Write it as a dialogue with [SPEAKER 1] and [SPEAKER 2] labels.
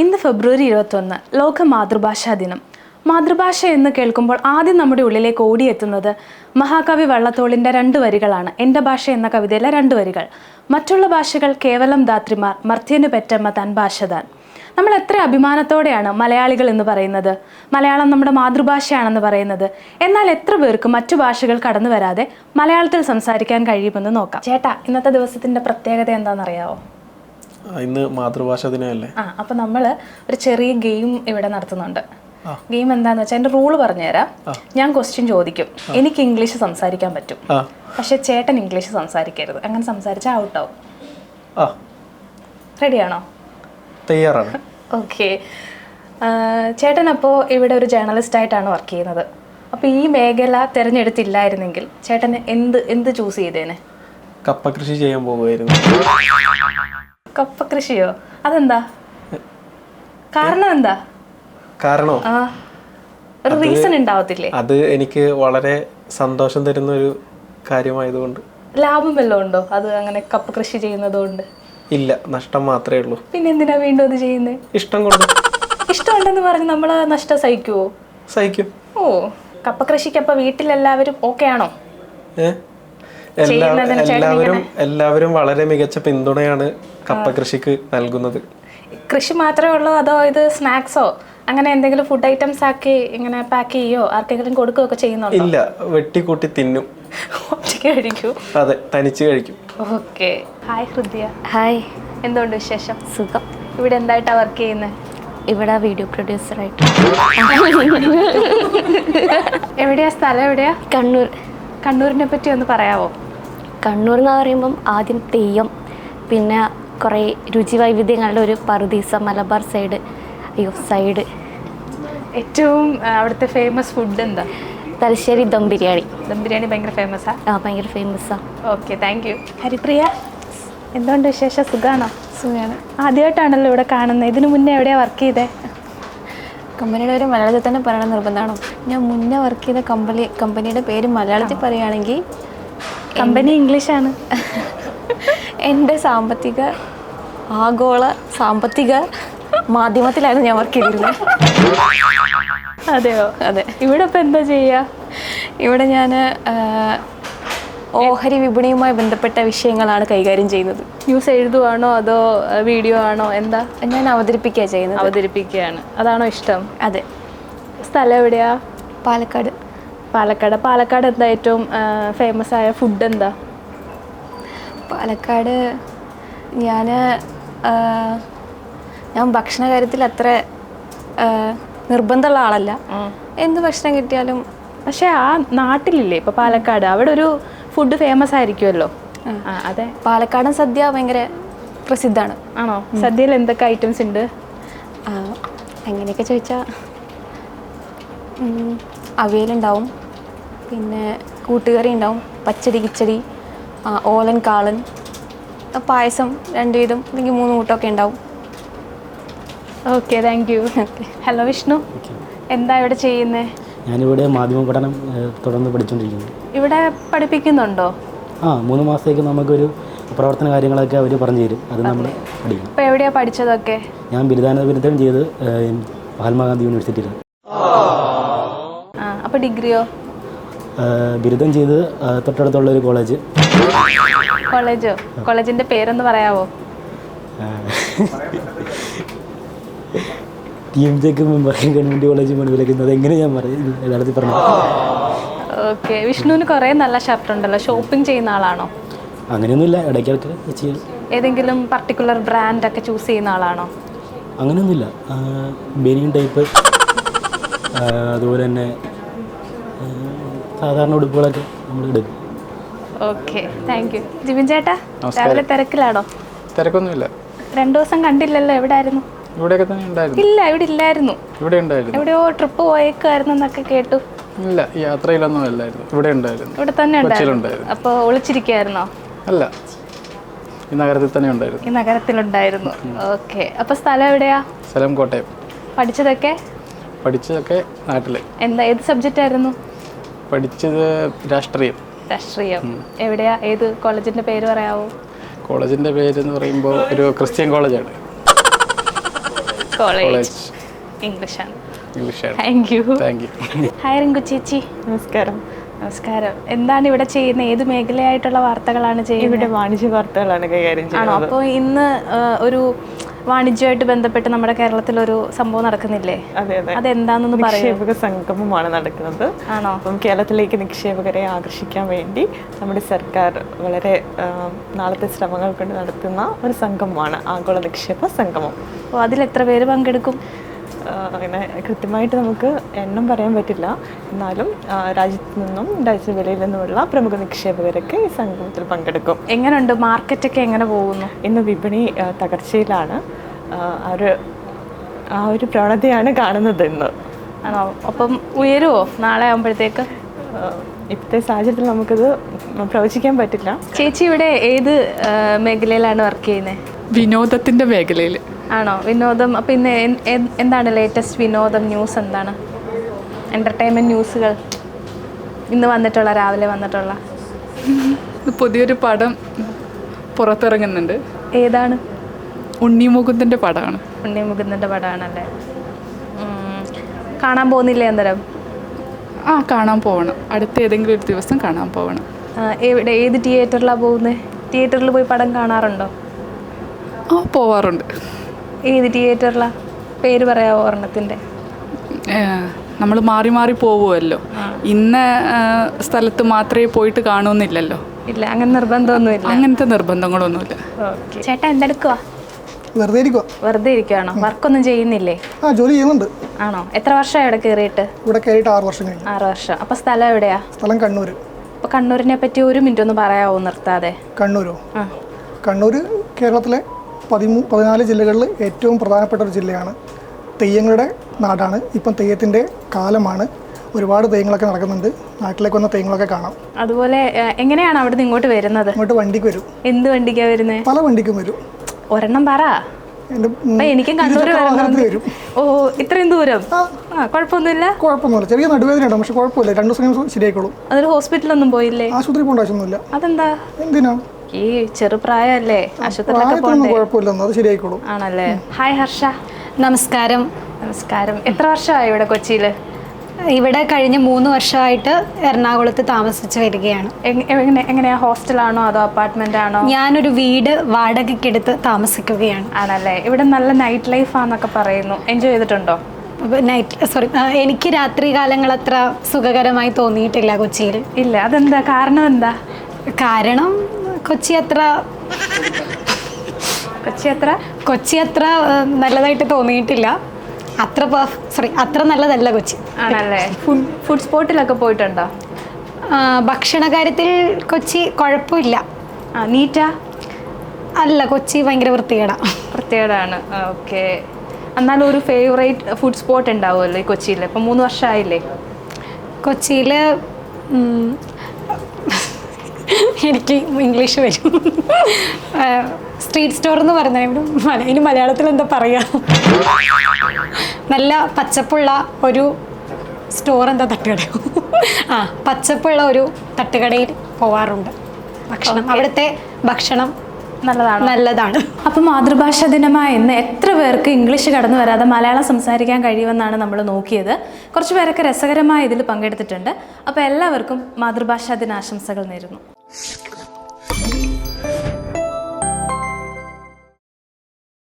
[SPEAKER 1] ഇന്ന് ഫെബ്രുവരി 21 ലോക മാതൃഭാഷാ ദിനം. മാതൃഭാഷ എന്ന് കേൾക്കുമ്പോൾ ആദ്യം നമ്മുടെ ഉള്ളിലേക്ക് ഓടിയെത്തുന്നത് മഹാകവി വള്ളത്തോളിൻ്റെ 2 വരികളാണ്. എൻ്റെ ഭാഷ എന്ന കവിതയിലെ 2 വരികൾ. മറ്റുള്ള ഭാഷകൾ കേവലം ധാത്രിമാർ, മർത്യനു പെറ്റമ്മ തൻ ഭാഷ താൻ. നമ്മൾ എത്ര അഭിമാനത്തോടെയാണ് മലയാളികൾ എന്ന് പറയുന്നത്, മലയാളം നമ്മുടെ മാതൃഭാഷയാണെന്ന് പറയുന്നത്. എന്നാൽ എത്ര പേർക്ക് മറ്റു ഭാഷകൾ കടന്നു വരാതെ മലയാളത്തിൽ സംസാരിക്കാൻ കഴിയുമെന്ന് നോക്കാം. ചേട്ടാ, ഇന്നത്തെ ദിവസത്തിൻ്റെ പ്രത്യേകത എന്താണെന്നറിയാവോ?
[SPEAKER 2] ഇന്ന് മാതൃഭാഷ ദിനമല്ലേ?
[SPEAKER 1] അപ്പം നമ്മൾ ഒരു ചെറിയ ഗെയിം ഇവിടെ നടത്തുന്നുണ്ട്. ഗെയിം എന്താന്ന് വെച്ചാൽ എൻ്റെ റൂള് പറഞ്ഞുതരാം. ഞാൻ ക്വസ്റ്റ്യൻ ചോദിക്കും, എനിക്ക് ഇംഗ്ലീഷ് സംസാരിക്കാൻ പറ്റും, പക്ഷെ ചേട്ടൻ ഇംഗ്ലീഷ് സംസാരിക്കരുത്. അങ്ങനെ സംസാരിച്ചാൽ ഔട്ടാവും. റെഡിയാണോ?
[SPEAKER 2] തയ്യാറാണ്.
[SPEAKER 1] ഓക്കെ. ചേട്ടൻ അപ്പോൾ ഇവിടെ ഒരു ജേർണലിസ്റ്റ് ആയിട്ടാണ് വർക്ക് ചെയ്യുന്നത്. അപ്പോൾ ഈ മേഖല തിരഞ്ഞെടുത്തില്ലായിരുന്നെങ്കിൽ ചേട്ടൻ എന്ത് ചൂസ് ചെയ്തേനെ?
[SPEAKER 2] കപ്പ കൃഷി ചെയ്യാൻ പോകുമായിരുന്നു.
[SPEAKER 1] കപ്പ കൃഷിയോ? അതെന്താ കാരണം? എന്താ
[SPEAKER 2] കാരണോ?
[SPEAKER 1] ഒരു റീസൺ ഉണ്ടാവത്തില്ലേ?
[SPEAKER 2] അത് എനിക്ക് വളരെ സന്തോഷം തരുന്ന ഒരു കാര്യമായതുകൊണ്ട്.
[SPEAKER 1] ലാഭം വല്ലതും ഉണ്ടോ അത് അങ്ങനെ കപ്പ കൃഷി ചെയ്യുന്നത് കൊണ്ട്?
[SPEAKER 2] ഇല്ല, നഷ്ടം മാത്രമേ ഉള്ളൂ.
[SPEAKER 1] പിന്നെ എന്തിനാ വീണ്ടും അത് ചെയ്യുന്നത്?
[SPEAKER 2] ഇഷ്ടം കൊണ്ട്.
[SPEAKER 1] ഇഷ്ടമുണ്ടെന്ന് പറഞ്ഞ് നമ്മൾ നഷ്ടം സഹിക്കുവോ?
[SPEAKER 2] സഹിക്കും.
[SPEAKER 1] ഓ, കപ്പ കൃഷിക്കപ്പോ വീട്ടിലെല്ലാവരും ഓക്കെ ആണോ?
[SPEAKER 2] എല്ലാവരും വളരെ മികച്ച പിന്തുണയാണ് കപ്പ കൃഷിക്ക് നൽകുന്നത്.
[SPEAKER 1] കൃഷി മാത്രമേ ഉള്ളൂ അതോ ഇത് സ്നാക്സോ അങ്ങനെ എന്തെങ്കിലും ഫുഡ് ഐറ്റംസ് ആക്കി ഇങ്ങനെ പാക്ക് ചെയ്യോ ആർക്കെങ്കിലും കൊടുക്കുകയൊക്കെ ചെയ്യുന്നുണ്ടോ?
[SPEAKER 2] ഇല്ല, വെട്ടിക്കൂട്ടി തിന്നും.
[SPEAKER 1] കഴിക്കൂ?
[SPEAKER 2] അതെ, തനിച്ച് കഴിക്കും.
[SPEAKER 1] ഓക്കെ. ഹായ് ഹൃദയ.
[SPEAKER 3] ഹായ്.
[SPEAKER 1] എന്തുകൊണ്ട് വിശേഷം?
[SPEAKER 3] സുഖം.
[SPEAKER 1] ഇവിടെ എന്തായിട്ടാ വർക്ക് ചെയ്യുന്നത്?
[SPEAKER 3] ഇവിടെ വീഡിയോ പ്രൊഡ്യൂസറായിട്ട്.
[SPEAKER 1] എവിടെയാ സ്ഥലം? എവിടെയാ?
[SPEAKER 3] കണ്ണൂർ.
[SPEAKER 1] കണ്ണൂരിനെ പറ്റി ഒന്ന് പറയാവോ?
[SPEAKER 3] കണ്ണൂർ എന്ന് പറയുമ്പം ആദ്യം തെയ്യം, പിന്നെ കുറേ രുചി വൈവിധ്യങ്ങളുടെ ഒരു പറുദീസ, മലബാർ സൈഡ്.
[SPEAKER 1] ഏറ്റവും അവിടുത്തെ ഫേമസ് ഫുഡ് എന്താ?
[SPEAKER 3] തലശ്ശേരി ദം ബിരിയാണി.
[SPEAKER 1] ദം ബിരിയാണി ഭയങ്കര ഫേമസാ?
[SPEAKER 3] ഭയങ്കര ഫേമസാണ്.
[SPEAKER 1] Okay, thank you. ഹരിപ്രിയ, എന്തുകൊണ്ട് വിശേഷം? സുഖാണോ?
[SPEAKER 4] സുഖമാണ്.
[SPEAKER 1] ആദ്യമായിട്ടാണല്ലോ ഇവിടെ കാണുന്നത്. ഇതിനു മുന്നേ എവിടെയാ വർക്ക് ചെയ്തേ?
[SPEAKER 4] കമ്പനിയുടെ ഒരു മലയാളത്തിൽ തന്നെ പറയണ നിർബന്ധമാണോ? ഞാൻ മുന്നേ വർക്ക് ചെയ്ത കമ്പനിയുടെ പേര് മലയാളത്തിൽ പറയുകയാണെങ്കിൽ
[SPEAKER 1] കമ്പനി ഇംഗ്ലീഷാണ്.
[SPEAKER 4] എൻ്റെ ആഗോള സാമ്പത്തിക മാധ്യമത്തിലായിരുന്നു ഞാൻ വർക്ക് ചെയ്തിരുന്നത്.
[SPEAKER 1] അതെയോ?
[SPEAKER 4] അതെ.
[SPEAKER 1] ഇവിടെ ഇപ്പം എന്താ ചെയ്യുക?
[SPEAKER 4] ഇവിടെ ഞാൻ ഓഹരി വിപണിയുമായി ബന്ധപ്പെട്ട വിഷയങ്ങളാണ് കൈകാര്യം ചെയ്യുന്നത്.
[SPEAKER 1] ന്യൂസ് എഴുതുവാണോ അതോ വീഡിയോ ആണോ? എന്താ?
[SPEAKER 4] ഞാൻ അവതരിപ്പിക്കുക ചെയ്യുന്നത്.
[SPEAKER 1] അവതരിപ്പിക്കുകയാണ്. അതാണോ ഇഷ്ടം?
[SPEAKER 4] അതെ.
[SPEAKER 1] സ്ഥലം എവിടെയാ?
[SPEAKER 4] പാലക്കാട്.
[SPEAKER 1] പാലക്കാട് എന്താ ഏറ്റവും ഫേമസ് ആയ ഫുഡ് എന്താ?
[SPEAKER 4] പാലക്കാട് ഞാൻ ഭക്ഷണ കാര്യത്തിൽ അത്ര നിർബന്ധമുള്ള ആളല്ല. എന്ത് ഭക്ഷണം കിട്ടിയാലും.
[SPEAKER 1] പക്ഷെ ആ നാട്ടിലില്ലേ ഇപ്പൊ പാലക്കാട്, അവിടെ ഒരു ഫുഡ് ഫേമസ് ആയിരിക്കുമല്ലോ. അതെ,
[SPEAKER 4] പാലക്കാടൻ സദ്യ ഭയങ്കര പ്രസിദ്ധമാണ്.
[SPEAKER 1] ആണോ? സദ്യയിൽ എന്തൊക്കെ ഐറ്റംസ് ഉണ്ട്?
[SPEAKER 4] അങ്ങനെയൊക്കെ ചോദിച്ചാൽ അവിയലുണ്ടാവും, പിന്നെ കൂട്ടുകറി ഉണ്ടാവും, പച്ചടി, കിച്ചടി, ഓലൻ, കാളൻ, പായസം 2 വീതം അല്ലെങ്കിൽ 3 കൂട്ടമൊക്കെ ഉണ്ടാവും.
[SPEAKER 1] Okay, thank you. Hello Vishnu, എന്താ ഇവിടെ ചെയ്യുന്നേ?
[SPEAKER 5] ഞാനിവിടെ മാധ്യമ പഠനം തുടർന്ന് പഠിച്ചുകൊണ്ടിരിക്കുന്നു.
[SPEAKER 1] ഇവിടെ പഠിപ്പിക്കുന്നുണ്ടോ?
[SPEAKER 5] 3 മാസത്തേക്ക് നമുക്കൊരു പ്രവർത്തന കാര്യങ്ങളൊക്കെ അവർ പറഞ്ഞു തരും, അത് നമ്മൾ പഠിക്കും.
[SPEAKER 1] ഇപ്പോൾ എവിടെയാണ് പഠിച്ചതൊക്കെ?
[SPEAKER 5] ഞാൻ ബിരുദം ചെയ്ത് മഹാത്മാഗാന്ധി യൂണിവേഴ്സിറ്റിയിലാണ്.
[SPEAKER 1] അപ്പോൾ ഡിഗ്രിയോ?
[SPEAKER 5] ബിരുദം ചെയ്ത് തൊട്ടടുത്തുള്ള ഒരു കോളേജ്.
[SPEAKER 1] കോളേജിൻ്റെ പേരൊന്ന് പറയാവോ?
[SPEAKER 5] TMJ ഗവൺമെൻറ് കോളേജ് മണിവിലക്കുന്നത് എങ്ങനെ ഞാൻ യഥാർത്ഥത്തിൽ പറഞ്ഞു.
[SPEAKER 1] ഓക്കെ. വിഷ്ണുവിന് കുറേ നല്ല ഷർട്ട് ഉണ്ടല്ലോ, ഷോപ്പിംഗ് ചെയ്യുന്ന ആളാണോ?
[SPEAKER 5] അങ്ങനെയൊന്നുമില്ല, ഇടയ്ക്കൊക്കെ ചെയ്യും.
[SPEAKER 1] ഏതെങ്കിലും പർട്ടിക്കുലർ ബ്രാൻഡ് ഒക്കെ ചൂസ് ചെയ്യുന്ന ആളാണോ?
[SPEAKER 5] അങ്ങനെയൊന്നുമില്ല, ബനിയൻ ടൈപ്പ്, അതുപോലെ തന്നെ സാധാരണ ഉടുപ്പുകളൊക്കെ നമ്മൾ എടുക്കും.
[SPEAKER 1] Okay, thank U. ജിബിൻ ചേട്ടാ, രാവിലെ തിരക്കിലാണോ?
[SPEAKER 2] തിരക്കൊന്നുമില്ല.
[SPEAKER 1] 2 ദിവസം കണ്ടില്ലല്ലോ, എവിടെ ആയിരുന്നു?
[SPEAKER 2] ഇവിടെയൊക്കെ തന്നെ ഉണ്ടായിരുന്നു.
[SPEAKER 1] ഇല്ല, ഇവിടെ ഇല്ലായിരുന്നു.
[SPEAKER 2] ഇവിടെ ഉണ്ടായിരുന്നു.
[SPEAKER 1] എവിടെയോ ട്രിപ്പ് പോയേക്കായിരുന്നു എന്നൊക്കെ കേട്ടു.
[SPEAKER 2] ഇല്ല, യാത്രയിലൊന്നും അല്ലായിരുന്നു. ഇവിടെ ഉണ്ടായിരുന്നു.
[SPEAKER 1] ഇവിടെ തന്നെ ഉണ്ടായിരുന്നു. അപ്പോൾ ഒളിച്ചിരിക്കുകയായിരുന്നോ?
[SPEAKER 2] അല്ല, ഈ നഗരത്തിൽ തന്നെ ഉണ്ടായിരുന്നു.
[SPEAKER 1] ഈ നഗരത്തിലുണ്ടായിരുന്നു. ഓക്കെ. അപ്പോൾ സ്ഥലം എവിടെയാ?
[SPEAKER 2] സ്ഥലം കോട്ടയം.
[SPEAKER 1] പഠിച്ചതൊക്കെ
[SPEAKER 2] നാട്ടില്.
[SPEAKER 1] എന്താ, ഏത് സബ്ജക്റ്റ് ആയിരുന്നു?
[SPEAKER 2] പഠിച്ചത് രാഷ്ട്രീയം.
[SPEAKER 1] എവിടെയാ? ഏത് കോളേജിന്റെ പേര് പറയാവോ?
[SPEAKER 2] കോളേജിന്റെ പേര് എന്ന് പറയുമ്പോൾ ഒരു ക്രിസ്ത്യൻ കോളേജാണ്.
[SPEAKER 1] കോളേജ് ഇംഗ്ലീഷാണ്.
[SPEAKER 2] English.
[SPEAKER 1] Thank you.
[SPEAKER 2] Thank you.
[SPEAKER 1] Hi Rinku ചേച്ചി.
[SPEAKER 6] നമസ്കാരം.
[SPEAKER 1] നമസ്കാരം. എന്താണ് ഇവിടെ ചെയ്യുന്നത്? ഏത് മേഖലയായിട്ടുള്ള വാർത്തകളാണ് ചെയ്യുന്നത്?
[SPEAKER 6] ഇവിടെ വാണിജ്യ വാർത്തകളാണ് കൈകാര്യം
[SPEAKER 1] ആണോ?
[SPEAKER 6] ചെയ്യുന്നത്.
[SPEAKER 1] അപ്പോൾ ഇന്ന് ഒരു വാണിജ്യമായിട്ട് ബന്ധപ്പെട്ട് നമ്മുടെ കേരളത്തിലൊരു സംഭവം നടക്കുന്നില്ലേ?
[SPEAKER 6] അതെ അതെ,
[SPEAKER 1] അതെന്താണെന്ന് പറയൂ.
[SPEAKER 6] നിക്ഷേപക സംഗമമാണ് നടക്കുന്നത്.
[SPEAKER 1] ആണോ?
[SPEAKER 6] അപ്പം കേരളത്തിലേക്ക് നിക്ഷേപകരെ ആകർഷിക്കാൻ വേണ്ടി നമ്മുടെ സർക്കാർ വളരെ നാളത്തെ ശ്രമങ്ങൾ കൊണ്ട് നടത്തുന്ന ഒരു സംഗമമാണ് ആഗോള നിക്ഷേപ സംഗമം.
[SPEAKER 1] അപ്പോൾ അതിലെത്ര പേര് പങ്കെടുക്കും?
[SPEAKER 6] അങ്ങനെ കൃത്യമായിട്ട് നമുക്ക് എണ്ണം പറയാൻ പറ്റില്ല. എന്നാലും രാജ്യത്തു നിന്നും രാജ്യത്തിന് വെളിയിൽ നിന്നുമുള്ള പ്രമുഖ നിക്ഷേപകരൊക്കെ ഈ സംഗമത്തിൽ പങ്കെടുക്കും.
[SPEAKER 1] എങ്ങനെയുണ്ട് മാർക്കറ്റൊക്കെ എങ്ങനെ പോകുന്നു?
[SPEAKER 6] ഇന്ന് വിപണി തകർച്ചയിലാണ്. ആ ഒരു പ്രവണതയാണ് കാണുന്നത് ഇന്ന്.
[SPEAKER 1] ആണോ? അപ്പം ഉയരുമോ നാളെ ആകുമ്പോഴത്തേക്ക്?
[SPEAKER 6] ഇപ്പോഴത്തെ സാഹചര്യത്തിൽ നമുക്കത് പ്രവചിക്കാൻ പറ്റില്ല.
[SPEAKER 1] ചേച്ചി ഇവിടെ ഏത് മേഖലയിലാണ് വർക്ക് ചെയ്യുന്നത്?
[SPEAKER 7] വിനോദത്തിൻ്റെ മേഖലയിൽ.
[SPEAKER 1] ആണോ? വിനോദം. അപ്പം ഇന്ന് എന്താണ് ലേറ്റസ്റ്റ് വിനോദം ന്യൂസ്? എന്താണ് എൻ്റർടൈൻമെൻറ്റ് ന്യൂസുകൾ ഇന്ന് വന്നിട്ടുള്ള, രാവിലെ വന്നിട്ടുള്ള?
[SPEAKER 7] പുതിയൊരു പടം പുറത്തിറങ്ങുന്നുണ്ട്.
[SPEAKER 1] ഏതാണ്?
[SPEAKER 7] ഉണ്ണിമുകുന്ദൻ്റെ പടമാണ്.
[SPEAKER 1] ഉണ്ണിമുകുന്ദൻ്റെ പടമാണല്ലേ? കാണാൻ പോകുന്നില്ലേ അന്നേരം?
[SPEAKER 7] കാണാൻ പോകണം. അടുത്ത ഏതെങ്കിലും ഒരു ദിവസം കാണാൻ പോകണം.
[SPEAKER 1] എവിടെ, ഏത് തിയേറ്ററിലാണ് പോകുന്നത്? തിയേറ്ററിൽ പോയി പടം കാണാറുണ്ടോ?
[SPEAKER 7] പോവാറുണ്ട്.
[SPEAKER 1] ഏത് തിയേറ്ററിലാണ്? പേര് പറയാമോ ഒരെണ്ണത്തിൻ്റെ?
[SPEAKER 7] നമ്മൾ മാറി മാറി പോവുമല്ലോ. ഇന്ന സ്ഥലത്ത് മാത്രമേ പോയിട്ട് കാണുമെന്നില്ലല്ലോ.
[SPEAKER 1] ഇല്ല, അങ്ങനെ നിർബന്ധമൊന്നുമില്ല.
[SPEAKER 7] അങ്ങനത്തെ നിർബന്ധങ്ങളൊന്നുമില്ല.
[SPEAKER 1] ഓക്കെ. ചേട്ടാ എന്തെടുക്കുക?
[SPEAKER 8] വെറുതെ ഇരിക്കുക.
[SPEAKER 1] വെറുതെ ഇരിക്കുകയാണോ? വർക്കൊന്നും ചെയ്യുന്നില്ലേ?
[SPEAKER 8] ജോലി ചെയ്യുന്നുണ്ട്.
[SPEAKER 1] ആണോ? എത്ര വർഷമായി ഇവിടെ കയറിയിട്ട്?
[SPEAKER 8] ഇവിടെ കയറിയിട്ട് 6 വർഷം കഴിഞ്ഞു.
[SPEAKER 1] 6 വർഷം. അപ്പോൾ സ്ഥലം എവിടെയാ?
[SPEAKER 8] സ്ഥലം കണ്ണൂർ.
[SPEAKER 1] അപ്പോൾ കണ്ണൂരിനെ പറ്റി ഒരു മിനിറ്റ് ഒന്ന് പറയാമോ നിർത്താതെ?
[SPEAKER 8] കണ്ണൂരോ? കണ്ണൂർ കേരളത്തിലെ 14 ജില്ലകളിൽ ഏറ്റവും പ്രധാനപ്പെട്ട ഒരു ജില്ലയാണ്. തെയ്യങ്ങളുടെ നാടാണ്. ഇപ്പം തെയ്യത്തിൻ്റെ കാലമാണ്. ഒരുപാട് തെയ്യങ്ങളൊക്കെ നടക്കുന്നുണ്ട്. നാട്ടിലേക്ക് വന്ന തെയ്യങ്ങളൊക്കെ കാണാം.
[SPEAKER 1] അതുപോലെ എങ്ങനെയാണ് അവിടെ നിന്ന് ഇങ്ങോട്ട് വരുന്നത്?
[SPEAKER 8] ഇങ്ങോട്ട് വണ്ടിക്ക് വരും.
[SPEAKER 1] എന്ത് വണ്ടിക്കാണ് വരുന്നത്?
[SPEAKER 8] പല വണ്ടിക്കും വരും.
[SPEAKER 1] ഒരെണ്ണം പറ. എനിക്കും കണ്ണൂർ
[SPEAKER 8] വരും.
[SPEAKER 1] ഓ, ഇത്രയും ദൂരം? കുഴപ്പമൊന്നുമില്ല.
[SPEAKER 8] കുഴപ്പമൊന്നുമില്ല. ചെറിയ നടുവേദനയുണ്ട്, പക്ഷെ കുഴപ്പമില്ല. 2 ദിവസം കഴിയുമ്പോൾ ശരിയായിക്കോളും.
[SPEAKER 1] അതൊരു ഹോസ്പിറ്റലൊന്നും പോയില്ലേ?
[SPEAKER 8] ആശുപത്രി പോകേണ്ട ആവശ്യമൊന്നുമില്ല.
[SPEAKER 1] അതെന്താ?
[SPEAKER 8] എന്തിനാ?
[SPEAKER 1] ഈ ചെറുപ്രായമല്ലേ, ആശുപത്രിയിലൊക്കെ പോകണ്ടേ?
[SPEAKER 8] കുഴപ്പമില്ലെന്ന്, അത് ശരിയായിക്കോളും.
[SPEAKER 1] ആണല്ലേ? ഹായ് ഹർഷ.
[SPEAKER 3] നമസ്കാരം.
[SPEAKER 1] നമസ്കാരം. എത്ര വർഷമായി ഇവിടെ കൊച്ചിയിൽ?
[SPEAKER 3] ഇവിടെ കഴിഞ്ഞ 3 വർഷമായിട്ട് എറണാകുളത്ത് താമസിച്ച് വരികയാണ്.
[SPEAKER 1] എങ്ങനെയാ? ഹോസ്റ്റലാണോ അതോ അപ്പാർട്ട്മെന്റ് ആണോ?
[SPEAKER 3] ഞാനൊരു വീട് വാടകയ്ക്കെടുത്ത് താമസിക്കുകയാണ്.
[SPEAKER 1] ആണല്ലേ? ഇവിടെ നല്ല നൈറ്റ് ലൈഫ് ആണെന്നൊക്കെ പറയുന്നു. എൻജോയ് ചെയ്തിട്ടുണ്ടോ?
[SPEAKER 3] എനിക്ക് രാത്രി കാലങ്ങൾ അത്ര സുഖകരമായി തോന്നിയിട്ടില്ല കൊച്ചിയിൽ.
[SPEAKER 1] ഇല്ല. അതെന്താ? കാരണം എന്താ?
[SPEAKER 3] കാരണം കൊച്ചി അത്ര നല്ലതായിട്ട് തോന്നിയിട്ടില്ല. അത്ര നല്ലതല്ല കൊച്ചി.
[SPEAKER 1] ആണല്ലേ? ഫുഡ് സ്പോട്ടിലൊക്കെ പോയിട്ടുണ്ടോ?
[SPEAKER 3] ഭക്ഷണ കാര്യത്തിൽ കൊച്ചി കുഴപ്പമില്ല.
[SPEAKER 1] നീറ്റാ?
[SPEAKER 3] അല്ല, കൊച്ചി ഭയങ്കര
[SPEAKER 1] വൃത്തികേടാണ്. ഓക്കെ. എന്നാലും ഒരു ഫേവറേറ്റ് ഫുഡ് സ്പോട്ട് ഉണ്ടാവുമല്ലോ ഈ കൊച്ചിയിൽ. ഇപ്പം 3 വർഷമായില്ലേ
[SPEAKER 3] കൊച്ചിയിൽ? എനിക്ക് ഇംഗ്ലീഷ് വരും. സ്ട്രീറ്റ് സ്റ്റോർ എന്ന് പറഞ്ഞാൽ ഇനി മലയാളത്തിൽ എന്താ പറയുക? നല്ല പച്ചപ്പുള്ള ഒരു സ്റ്റോർ, എന്താ തട്ടുകടയോ? പച്ചപ്പുള്ള ഒരു തട്ടുകടയിൽ പോവാറുണ്ട്. അവിടുത്തെ ഭക്ഷണം നല്ലതാണ്.
[SPEAKER 1] അപ്പം മാതൃഭാഷാ ദിനമായ ഇന്ന് എത്ര പേർക്ക് ഇംഗ്ലീഷ് കടന്നു വരാതെ മലയാളം സംസാരിക്കാൻ കഴിയുമെന്നാണ് നമ്മൾ നോക്കിയത്. കുറച്ച് പേരൊക്കെ രസകരമായ ഇതിൽ പങ്കെടുത്തിട്ടുണ്ട്. അപ്പോൾ എല്ലാവർക്കും മാതൃഭാഷാ ദിനാശംസകൾ നേരുന്നു.